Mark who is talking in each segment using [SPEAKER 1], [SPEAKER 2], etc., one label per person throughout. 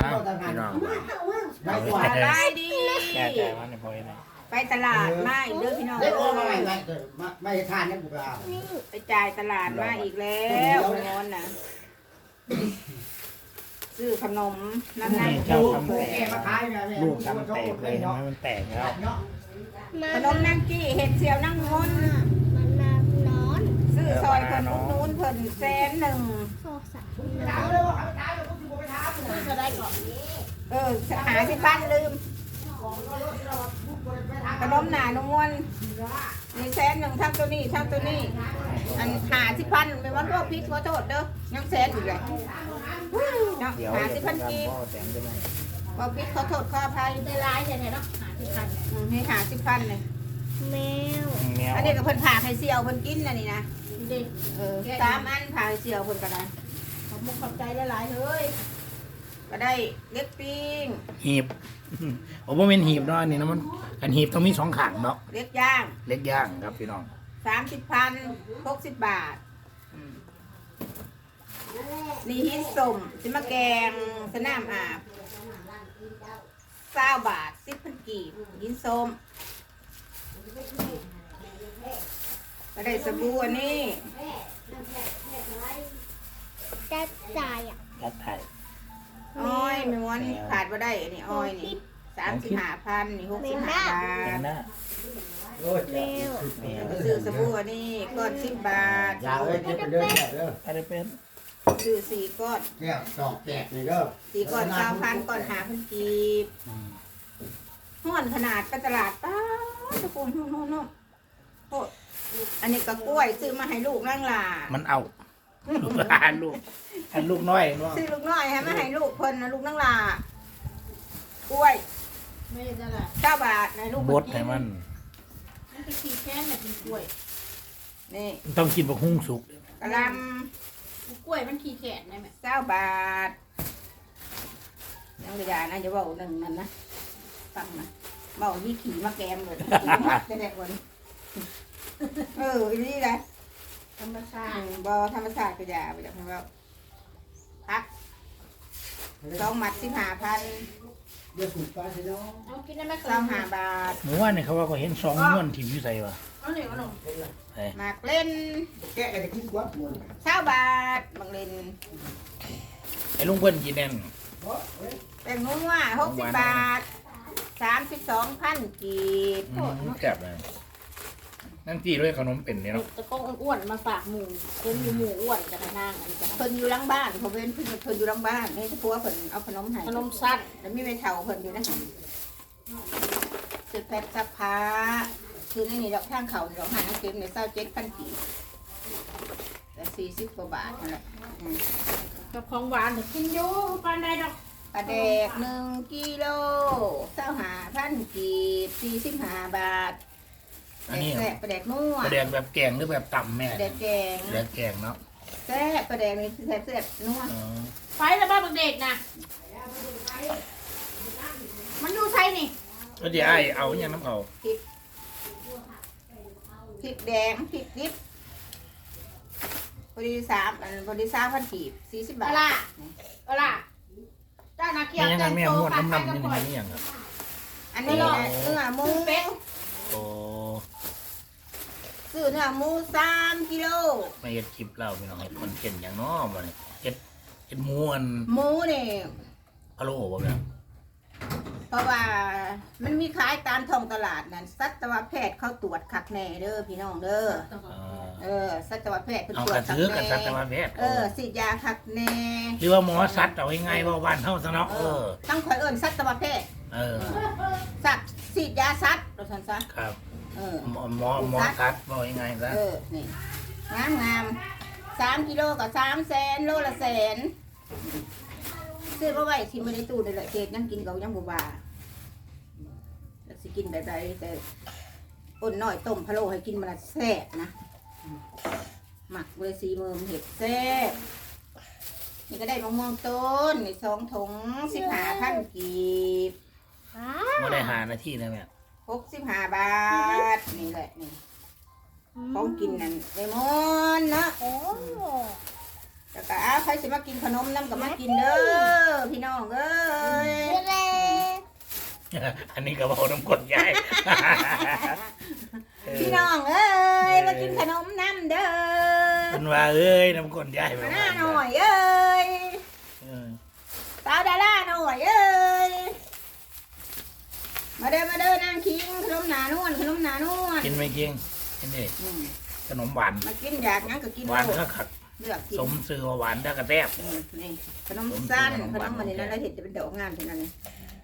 [SPEAKER 1] พี่น้อง
[SPEAKER 2] ได้ดี
[SPEAKER 1] แก่ๆมันในพอยนะ
[SPEAKER 2] ไปตลาดมาอีกเด้อพี่น้อง
[SPEAKER 3] ได้โอ้มาไม่ทานนี่บุกลา
[SPEAKER 2] ไปจ่ายตลาดมาอีกแล้วงอนนะซื้อขนมนั่น
[SPEAKER 1] นี่เจ้าทำ
[SPEAKER 3] แก
[SPEAKER 1] แตก
[SPEAKER 3] มาขายไง
[SPEAKER 1] ลูกทำแตกเลยทำให้มันแตกแล้ว
[SPEAKER 2] ขนมนั่งกี้เห็ดเสียวนั่งงอน
[SPEAKER 4] มันนอน
[SPEAKER 2] ซื้อซอยคนนู้นเพิ่น100,000
[SPEAKER 4] โซสัตว์
[SPEAKER 2] จะได้ก่อนหาที่บ้านลืมขนมหนานุ่มวนมี100,000ทั้งตัวนี้ทั้งตัวนี้อันหาที่พันไม่ว่าพวกพิษขอโทษเด้อยัง100,000อยู่เลยเนาะ
[SPEAKER 1] เดี๋ยว
[SPEAKER 2] หา
[SPEAKER 1] จะ
[SPEAKER 2] ที่
[SPEAKER 1] เป็
[SPEAKER 2] พั
[SPEAKER 1] น
[SPEAKER 2] น
[SPEAKER 1] การ
[SPEAKER 2] กีบ
[SPEAKER 1] พ่อแตงจะไหม
[SPEAKER 2] พอพิษขอโทษขออภัย
[SPEAKER 4] ได้ร้ายใช่ไหมเนาะหาที่พัน
[SPEAKER 2] ให้หาที่พันเลย
[SPEAKER 4] แมว
[SPEAKER 1] แมว
[SPEAKER 2] อันนี้ก็เพิ่นผ่าให้เสี่ยวเพิ่นกินอันนี้นะ
[SPEAKER 4] ดิ
[SPEAKER 2] 3 อันผ่าให้เสี่ยวเพิ่นก็ได้
[SPEAKER 4] ขอบมุกขอบใจได้หลายเฮ้ย
[SPEAKER 2] ก็ได้เล็กปิ้ง
[SPEAKER 1] หีบโอ้โหเป็นหีบเนาะอันนี่นะมันกันหีบต้องมีสองขางเนาะ
[SPEAKER 2] เล็กย่าง
[SPEAKER 1] เล็กย่างครับพี่น้อง
[SPEAKER 2] 30,000 60 บาทนี่หินสมสิมาแกงสนามอาบ20 บาท 10,000 กีบหินส้มก็ได้สบู่อันนี้
[SPEAKER 4] จะจ่ายอ่ะ
[SPEAKER 1] กัดไทย
[SPEAKER 2] อ้อยไม่ม้วนขาดบ่ได้อันนี้อ้อยนี่35,000นี่65 บา
[SPEAKER 1] เห็
[SPEAKER 2] ท
[SPEAKER 1] นหน้า
[SPEAKER 3] โอ้ย
[SPEAKER 4] แมว
[SPEAKER 1] แมว
[SPEAKER 2] ซื้อสบู่อันนี้ก้อน10 บาท
[SPEAKER 3] ยาวเลยเจ็บเป็นเด้อเด้อ
[SPEAKER 1] อะไรเป็น
[SPEAKER 2] ซื้อ4 ก้อน
[SPEAKER 3] แก้วดอกแตกนี่เด้อ
[SPEAKER 2] 4 ก้อน9,000 ก้อน5,000 กีบห้อนขนาดไปตลาดป้าตะโกนโน่นโอ้อันนี้ก็กล้วยซื้อมาให้ลูกนั่งล่ะ
[SPEAKER 1] มันเอาอันลูกน้อยเนาะ
[SPEAKER 2] ซื้อลูกน้อยให้มาให้ลูกเพิ่นนะลูกนั่งล่ะกล้วย
[SPEAKER 4] ไม่ได้ละ
[SPEAKER 2] 9 บาทในลูก
[SPEAKER 1] บดให้มัน
[SPEAKER 4] นั่นคือขี้แค้นน่ะกินกล้วย
[SPEAKER 2] นี่
[SPEAKER 1] ต้องกินบักฮุ้งสุก
[SPEAKER 2] กะหล
[SPEAKER 4] กล้วยมันขี้แค้นได้ไหม
[SPEAKER 2] ำ9 บาทยังกระยานะจะเบาหนึ่งนั่นนะฟังนะเบามีขี่มาแกมเลยจะได้คนอีนี่แหละ
[SPEAKER 4] ธรรมชาติ
[SPEAKER 2] บอธรรมศาสตร์กระยาไปจากทางเราพัก2 มัด15,000
[SPEAKER 3] เดี๋ยวถูกไปสิเนาะ
[SPEAKER 4] เอากินได้ไหม
[SPEAKER 2] 25 บาท
[SPEAKER 1] หมู่ว่าเนี่ยเขาว่าก็เห็น2ม้วนที่อยู่ใส่ว่ะ
[SPEAKER 4] เอาหนึ่งเอาหนึ่ง
[SPEAKER 2] หมากเล่น
[SPEAKER 3] แกะจะกินกว่าหมด
[SPEAKER 2] 20 บาทบางเล่น
[SPEAKER 1] ไอ้ลุงเพิ่นกินแน่น
[SPEAKER 2] แป้งนัว60 บาท 32,000 กีบ
[SPEAKER 1] แซ่บเลยนั่นที่ด้วยขนมเป็นเนี่ยเนาะ
[SPEAKER 4] ตะกงอ้วนมาฝากหมูเป็นหมูอ้วนจะกระนั่งอันนี้จะ
[SPEAKER 2] เพิ่นอยู่หลังบ้านเขาเป็นเพิ่นอยู่หลังบ้านให้ผัวเพิ่นเอาขนมให้
[SPEAKER 4] ขนมสั้น
[SPEAKER 2] แล้วมีแม่เฒ่าเพิ่นอยู่นั่นซื้อแพ็คซักผ้าคือในนี่ดอกทางเขาดอกหาเก็บใน27,000 กีบแต่40 กว่าบาทนั่นแหละ
[SPEAKER 4] กับของหวานเดี๋ยวกินอยู่ปานใดดอก
[SPEAKER 2] ปลาแดก1 กิโล25,000 กีบ45 บาท
[SPEAKER 1] อันนี้
[SPEAKER 2] แซ่บปลาแดกนัว
[SPEAKER 1] ประเดกแบบแกงหรือแบบต่ำแม่
[SPEAKER 2] ปลาแดกแกง
[SPEAKER 1] แดกแกงเนาะ
[SPEAKER 2] แซ่บปลาแดกนี่แซ่บแซ่บนัว
[SPEAKER 1] อ๋อ
[SPEAKER 4] ไฟแล้วบ้าบักเด็กนะมันอยู่ใช่นี่
[SPEAKER 1] ก็เดี๋ยวไอ้เอาอย่างน้ำเขา
[SPEAKER 2] พริกแดงพริกดิบพอดี3,000 กีบ40 บา
[SPEAKER 4] อะ
[SPEAKER 2] ท
[SPEAKER 4] ล่ะอะล่ะเจ้านาเกีย
[SPEAKER 1] ไม่
[SPEAKER 4] ว
[SPEAKER 1] ยังไง
[SPEAKER 4] แต่ง
[SPEAKER 1] แม่
[SPEAKER 4] โต
[SPEAKER 1] ม้วน
[SPEAKER 4] ผัด
[SPEAKER 1] น้ำ
[SPEAKER 4] ไทย
[SPEAKER 1] น้ำ
[SPEAKER 4] กับ
[SPEAKER 1] นี่
[SPEAKER 4] ปล่อย
[SPEAKER 1] นี่อย่างครับ
[SPEAKER 2] อันนี้นะเนื้อหมู
[SPEAKER 4] เป็ด
[SPEAKER 1] โอ้
[SPEAKER 2] ซื้อเนื้อหมู3 กิโล
[SPEAKER 1] ไม่เห็ดคลิปเล่าพี่น้องเห็ดคนเก่นอย่างน้อมาเนี่ยเห็ดม้วน
[SPEAKER 2] หมูนี่
[SPEAKER 1] พะโล้บ่แบบ
[SPEAKER 2] เพราะว่ามันมีขายตามท้องตลาดนั่นสัตวแพทย์เขาตรวจคักแน่เด้อพี่น้องเด้อ สัตวแพทย์เพิ่น
[SPEAKER 1] เอา
[SPEAKER 2] ตรว
[SPEAKER 1] ก
[SPEAKER 2] จ
[SPEAKER 1] ระซื้อกับสัตวแพทย์
[SPEAKER 2] ฉีดยาคักแน่
[SPEAKER 1] หรือว่าหมอสัตว์เอาง่ายๆว่าบ้านเฮาซะเนาะ
[SPEAKER 2] ต้องคอยเอิ้นสัตวแพทย์ สัตว์ฉีดยาสัตว์เราซั่นซะ
[SPEAKER 1] ครับ
[SPEAKER 2] เออ
[SPEAKER 1] หมอสัตว์ว่าง่ายๆซะ
[SPEAKER 2] นี่งาม3 กิโลกับ300,000โลละแสนซื้อมาไว้ที่ไม่ได้ตู้นี่แหละเกดยังกินกับยังบ่บาแล้วสิกินแบบใดแต่อ้นน้อยต้มพะโล้ให้กินมันละแซ่บนะหมักเบอร์ซีเมือมเห็ดแซ่บนี่ก็ได้มะม่วงต้นนี่2 ถุง15,000 กีบ
[SPEAKER 1] บ่ได้5 นาทีนะแม่
[SPEAKER 2] 65 บาทนี่แหละนี่ของกินนั่นเลมอนเนาะ
[SPEAKER 4] โอ้
[SPEAKER 2] แล้วก็ใครสิมากินขนมน้ำก็มากินเด้อพี่น้องเอ้ย
[SPEAKER 1] อันนี้ก็บอกน้ำกรดยาย
[SPEAKER 2] พี่น้องเอ้ยมากินขนมน้ำเด้อ
[SPEAKER 1] มันว่าเอ้ยน้ำกรดยาย
[SPEAKER 2] มาหน้าหน่อยเอ้ย
[SPEAKER 1] เออ
[SPEAKER 2] สาวดาราหน่อยเอ้ยมาเด้อนางคิงขนมหนานวลขนมหนานวล
[SPEAKER 1] กินไหมกินกินดิ
[SPEAKER 2] อืม
[SPEAKER 1] ขนมหวาน
[SPEAKER 2] มากินอยากงั้นก็กิน
[SPEAKER 1] หวาน
[SPEAKER 2] โลด
[SPEAKER 1] ก็ขัด
[SPEAKER 2] เลือกกิน
[SPEAKER 1] สมซื้อว่าหวานได้กระแทบ
[SPEAKER 2] นี่ขนมสั้นขนมมันนี่นั่นเราเห็นจะเป็นดอกงามเท่านั้นเลย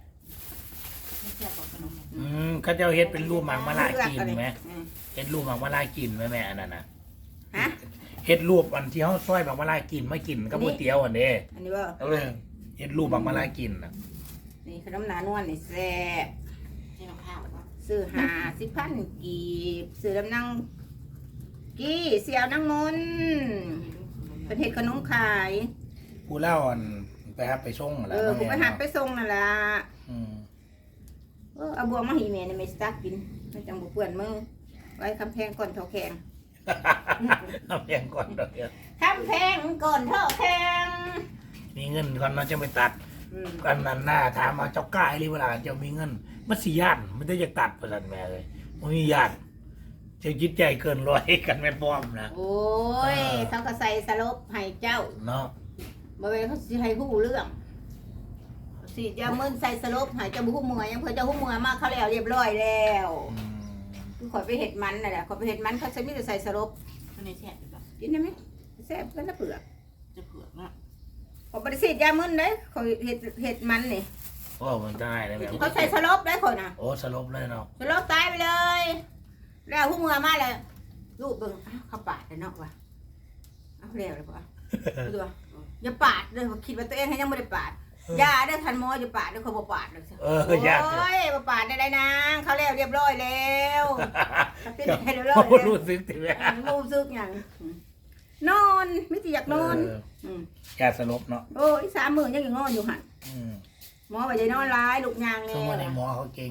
[SPEAKER 1] เขาเจ้าเฮ็ดเป็นรูปหมากมะลากินไหม
[SPEAKER 2] อืม
[SPEAKER 1] เฮ็ดรูปหมากมะลากินไหมแม่อันนั้นน่ะ
[SPEAKER 2] ฮะ
[SPEAKER 1] เฮ็ดรูปอันที่เขาซอยหมากมะลากินมากินกับก๋วยเตี๋ยวอันนี้
[SPEAKER 2] อันนี้ว่า
[SPEAKER 1] เอาเลยเฮ็ดรูปหมากมะลากินน่ะ
[SPEAKER 2] นี่ขนมหนานวลนี่แซ่บ
[SPEAKER 4] นี่น้ำข้าวแล้วก็
[SPEAKER 2] ซื้อ50,000กีบซื้อลำนังกี้เสี่ยวนังมนเป็นเห็ดขนมขาย
[SPEAKER 1] ผู้เล่าอันไปครับไปส่งอะไร
[SPEAKER 2] กูไปหักไปส่งนั่นล่ะ
[SPEAKER 1] อืม
[SPEAKER 2] เอาบวงมาให้แม่ในเมสตักกินไม่จังบ่เปื่อนมือไว้คำแพงก่อนเท่าแข็ง
[SPEAKER 1] เอาเพียงก่อนเดี๋ยว
[SPEAKER 2] คำแพงก่อนเท่าแข็ง
[SPEAKER 1] มีเงินก่อนเราจะไปตัด
[SPEAKER 2] อืม
[SPEAKER 1] กันนั้นหน้าถามมาเจ้ากล้าหรือเวลาเจ้ามีเงินมันสิย่านมันจะอยากตัดประสันแม่เลยมันมีย่านเจ้าจิตใจเกินร้อยกันแม่ป้อมนะ
[SPEAKER 2] โอ้ยเขาก็ใส่สลบให้เจ้า
[SPEAKER 1] เนาะ
[SPEAKER 2] บ่แม่นเขาสิให้ฮู้เรื่องสิจะมึนใส่สลบให้เจ้าบ่ฮู้เมื่อยยังเพิ่นเจ้าฮู้เมื่อยมาเขาแล้วเรียบร้อยแล้ว
[SPEAKER 1] อืม
[SPEAKER 2] คือขอยไปเห็ดมันน่ะแหละขอยไปเห็ดมันเขาจะมีแต่ใส่สลบ
[SPEAKER 4] ข้างในแช่แบบ
[SPEAKER 2] กินได้ไหมแซ่บกันละเปลือก
[SPEAKER 4] จะเผือกนะ
[SPEAKER 2] ขอยบริสิทธิ์ยามึนได้ขอยเห็ดมันนี่
[SPEAKER 1] โอ้มันได้เลยแม่
[SPEAKER 2] เขาใส่สลบได้ขอยนะ
[SPEAKER 1] โอ้สลบเลยเนาะ
[SPEAKER 2] สลบตายไปเลย แล้วผู้เมื่อมาเลยลูกเบิ่งอ้าวเขาปาดเลยเนาะวะเอาเร็วเลยปะดูว่าอย่าปาดเลยคิดว่าตัวเองให้ยังไม่ได้ปาดยาได้อทันหมออย่าปาดเด้อเขาบอกปาดเลย
[SPEAKER 1] อญาติ
[SPEAKER 2] โอ้ยบ่ปาดได้นางเขาแล้วเรียบร้อยแล้วเขาติดให้เรียบร้อย
[SPEAKER 1] เขา
[SPEAKER 2] แล้ว
[SPEAKER 1] รู้สึกถึงแม่
[SPEAKER 2] รู้สึกอย่างนอนไม่ติอยากนอน ม
[SPEAKER 1] ยาสลบเนาะ
[SPEAKER 2] โอ้ย30,000ยังงอนอยู่หัน
[SPEAKER 1] อืม
[SPEAKER 2] หมอไปได้นอนร้ายลูกยางเนี่
[SPEAKER 1] ช่วงวันใน
[SPEAKER 2] ย
[SPEAKER 1] หมอเขาเก่ง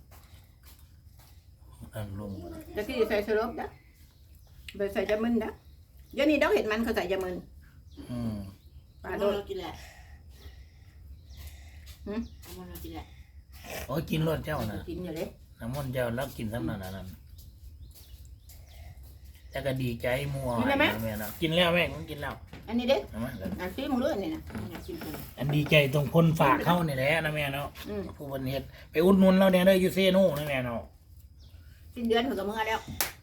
[SPEAKER 1] อันลุง
[SPEAKER 2] จะที่ใส่สลบนะไปใส่ยามึนนะเดี๋ยวนี้ดอกเห็ดมันเขาใส่ยามึน
[SPEAKER 1] อืม
[SPEAKER 2] ปลา
[SPEAKER 4] เอา
[SPEAKER 2] โด
[SPEAKER 4] มัน
[SPEAKER 2] ด
[SPEAKER 4] เรากินแหละเอามันเรากินแหละ
[SPEAKER 1] โอ้ยกินรสเจ้าน่ะ
[SPEAKER 2] กินอยู่เลย
[SPEAKER 1] น้ำมันต์เจ้าแล้วกินซ้ำนั่นนั่นแต่ก็ดีใจมัวแม่นะกินแล้วแม่ผมกินแล้ว
[SPEAKER 2] อันนี้เด้อ
[SPEAKER 1] เอามาเลย
[SPEAKER 2] อันซีมึงด้วยนี่นะ
[SPEAKER 4] อยากกินคน
[SPEAKER 1] อันดีใจตรงคนฝากเข้าเนี่ยแหละนะแม่เนาะ
[SPEAKER 2] อืม
[SPEAKER 1] ผู้บริเหตุไปอุดหนุนเราเนี่ยได้อยูเซโน่นะแม่เนาะ
[SPEAKER 2] สิ้นเดือนถึงกับเมื่อแล้ว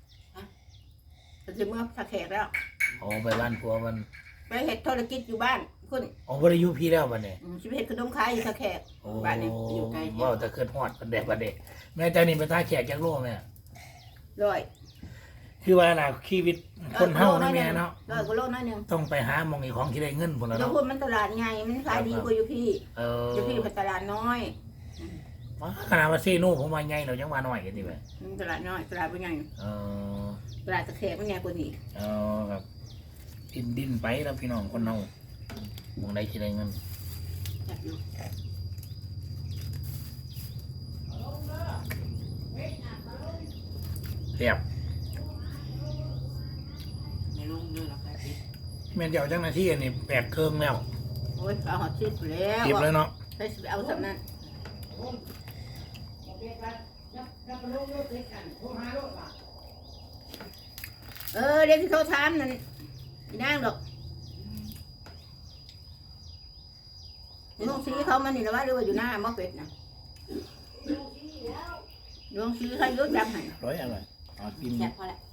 [SPEAKER 2] จะเมื่อสักแขกแล้ว
[SPEAKER 1] โอ้ไปบ้านผัวมัน
[SPEAKER 2] ไปเห็ดธุรกิจอยู่บ้านคุณ
[SPEAKER 1] โอ้บริยุพี่แล้วบัดเนี่ย
[SPEAKER 2] ชิบเห็ดขนมขายอยู่สักแขก
[SPEAKER 1] โอ้
[SPEAKER 2] บ้านนี้
[SPEAKER 1] ว่าจะเกิดฮอดประเดะประเดะแม่เจ้านี่เป็นตาแขกจากโลกแม่
[SPEAKER 2] ร้อย
[SPEAKER 1] คือว่าน่ะชีวิตคนเฮานะแม่เนาะ
[SPEAKER 2] ร้อยกว่าโลน้อยหนึง
[SPEAKER 1] ต้องไปหาหมองอีกของที่ได้เงินพุ่นแล้ว
[SPEAKER 2] เดี๋ยว
[SPEAKER 1] เนาะ
[SPEAKER 2] พูดมันตลาดใหญ่มันขายดีกว่าอยู่พี่
[SPEAKER 1] เออ
[SPEAKER 2] อยู่พี่เป็นตลาดน้อย
[SPEAKER 1] ขนาดว่าเซโน่ผมมาใหญ่เรายังมาหน่อยกันดิแม่
[SPEAKER 2] ตลาดน้อยตลาดเป็นใหญ่
[SPEAKER 1] เออ
[SPEAKER 2] ตลาดตะแคงเป็นใหญ่กว่านี้
[SPEAKER 1] ครับดินไปแล้วพี่น้องคนเฮาหมองได้ที่ได้เงิน
[SPEAKER 4] อยากอยู่
[SPEAKER 1] เรียบ
[SPEAKER 4] ในโรงเนื้อเราขายปิด
[SPEAKER 1] แม่นเจ้าจังหน้าที่อันนี้แปดเครื่องแล้ว
[SPEAKER 2] โอ้ยเอาหอดชิดอยู่แล้ว
[SPEAKER 1] เก็บเลยเนาะ
[SPEAKER 2] ไปเอาสำนั้นเด็กที่เขาทำนั่นอีนางดอกน้องซีเขามันนี่ละว่าหรือว่าอยู่หน้ามอเป็ดนะน้องซีเขายกจำให้
[SPEAKER 1] ร้อยอะไรอ๋อกิน
[SPEAKER 4] แซ่บพอแล้ว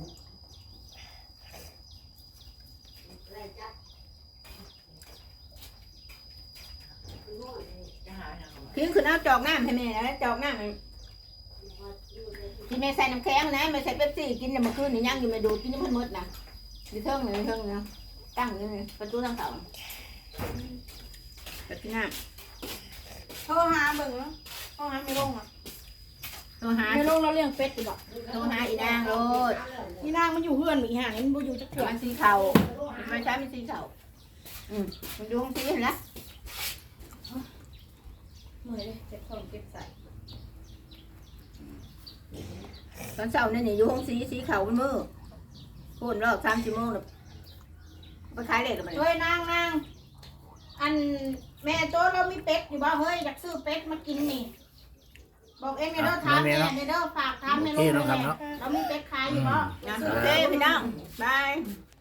[SPEAKER 4] จะหาอย่างของ
[SPEAKER 2] พิงคือเอาจอกน้ำให้แม่นะจอกน้ำที่แม่ใส่น้ำแข็งนะแม่ใส่เป๊ปซี่กินเนี่ยเมื่อคืนนี่ย่างอยู่แม่ดูดกินนี่มันมืดนะอยู่เทิงนี่เทิงนะตั้งอยู่นี่ประตูทางเสาแต่ที่น้ำ
[SPEAKER 4] โทรหาเบิ่งเนาะโทรหาไม่ลงอ่ะ
[SPEAKER 2] โทรหา
[SPEAKER 4] ไม่ลงเราเลี้ยงเป็ดอยู่บ่
[SPEAKER 2] โทรหาอีนางโลด
[SPEAKER 4] นี่นางมันอยู่เฮือนอีห่านี่มันบ่อยู่จักเถื่อ
[SPEAKER 2] มันสีเข่ามันใช้มันสีเข่ามันดูของสีเห็นละ
[SPEAKER 4] เมื่อยเลยเจ็บท้องเจ็บใส่
[SPEAKER 2] ตอนเช้านี่นี่อยู่ของสีเข่ามันมือโคนรอบ3 ชั่วโมงเลยไปขายเลยหรือมัน
[SPEAKER 4] เฮ้ยนางอันแม่โตเรามีเป็ดอยู่บ่เฮ้ยอยากซื้อเป็ดมากินนี่บอกเอ็มเด้อถามแม่เด้อฝากถามแม่ลูกแม่เรามีเป็ดขายอยู่บ่
[SPEAKER 2] นะโอเคพี่น้องบาย